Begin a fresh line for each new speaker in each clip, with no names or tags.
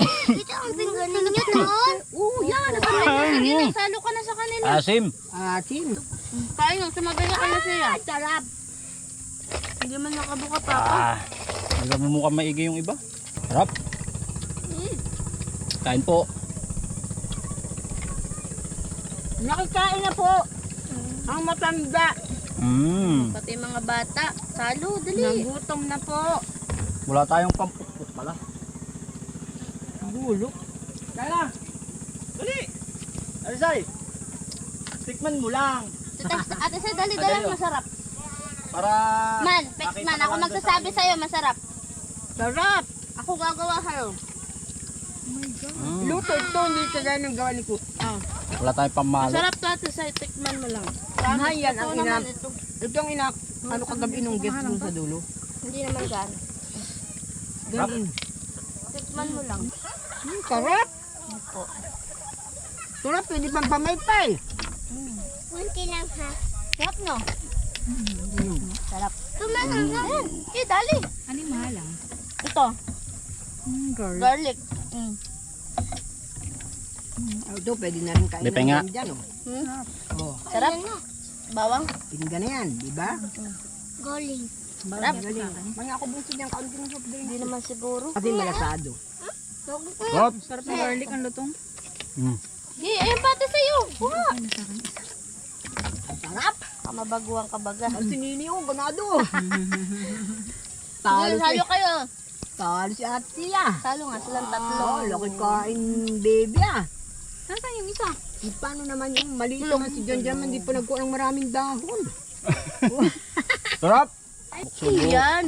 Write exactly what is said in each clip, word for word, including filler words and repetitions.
Ito ang pingganin nyo doon.
Oo, yan.
Sige na, salo ka na sa kanila.
Asim.
Asim.
Kain mo, sumabay na ka na siya.
Sarap.
Hindi man nakabuka pa ako.
Ah, hindi mo mukhang maigi yung iba. Sarap. Kain po.
Nakikain na po. Ang matanda.
Mm.
Pati mga bata. Salo, dali.
Nagutom na po.
Wala tayong pampukpuk pala.
Gulo.
Kaya dali. Arisay. Tikman mo lang.
Ate Say, dali, dali, masarap.
Para
Man, Pex man, ako magsasabi sa'yo, masarap.
Sarap.
Ako gagawa sa'yo.
Mm.
Luto ito. Hindi kagaya ng gawa ni ko.
Ah.
Wala tayong pamalo.
Masarap to, Ate Say, tikman mo lang.
Mahal yan ang
Ito
ina.
naman ito.
Ito ang ina. Ano kagabi nung guest doon sa dulo?
Hindi naman gano'n.
Ganun.
Tikman mo lang.
Hmm, sarap.
Opo.
Sarap. Pwede pang pamaypay.
Kunti lang ha.
Sarap no?
Mm.
Sarap.
Tumangang ka.
Ayan, eh, dali.
Ano yung mahalang?
Ito,
Mm, girl.
garlic. Mm.
Oh, ito, pwede na rin kain
Lipe nga.
ng dyan. Oh.
Hmm?
Oh,
Sarap. Bawang.
pinggan na yan, di ba?
Galing.
Sarap.
Galing. May ako bunso niyang kaunti ng soft drink.
Hindi naman siguro.
Kasi malasado.
Sarap.
Sarap ng garlic ang lutong.
Mm.
Di, ayun pati sa'yo. Kuha.
Ano sa akin?
Ang sarap.
Kamabaguang kabaga.
Ang sinini ko, ganado.
Sige,
Talo si,
salo kayo.
talo si ate ah.
Salo nga silang tatlo.
Oh, laki kain baby ah.
Nasaan yung isa?
E, paano naman yung maliit naman si John John, hindi pa nagkuha ng maraming dahon.
Sarap.
Subo. Yan.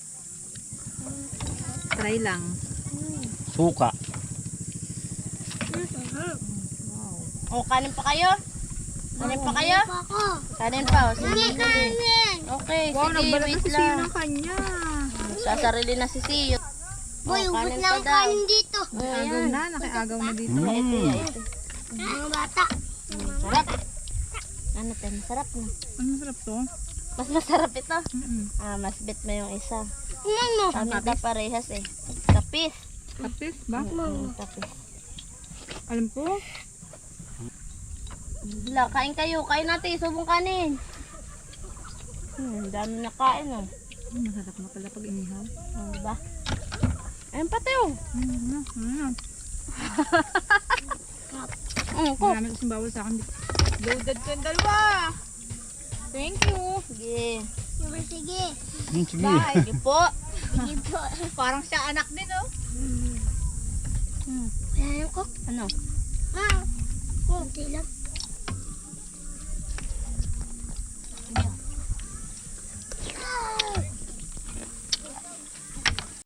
Try lang.
Suka.
O, kanin pa kayo? Kanin pa kayo?
Ako.
Kanin pa. O, sige.
Hindi kanin.
Okay,
Wow,
sige,
nagbalat na
wait
si Siyo
lang.
ng kanya.
Sasarili na si Siyo.
Boy,
Oh,
ubos
kanin
na
pa
ang
daw.
kanin dito.
Agaw na, nakiagaw na dito.
Mm.
Mga bata.
Sarap. Ano tayo, masarap na.
Ang masarap to.
Mas masarap ito.
Mm-mm.
Ah, mas bit mo yung isa.
Ano?
Kami ka parehas eh. Kapis.
Kapis ba?
Mm, kapis.
Alam ko.
Wala, kain kayo. Kain natin. Subong kanin. Hmm, dami na kain oh.
Mm, masarap na pala pag inihaw.
Oh, diba? Ayun pati oh.
Mm, ano, ano.
Mm, ko.
Marami kasing bawal sa akin. Loaded ko yung dalawa. Thank you.
Sige.
Sige, sige.
Mm, sige.
Sige po.
Sige po.
Parang siya anak din, oh.
Hmm.
Ayan ko.
Ano?
Ma. Kunti lang.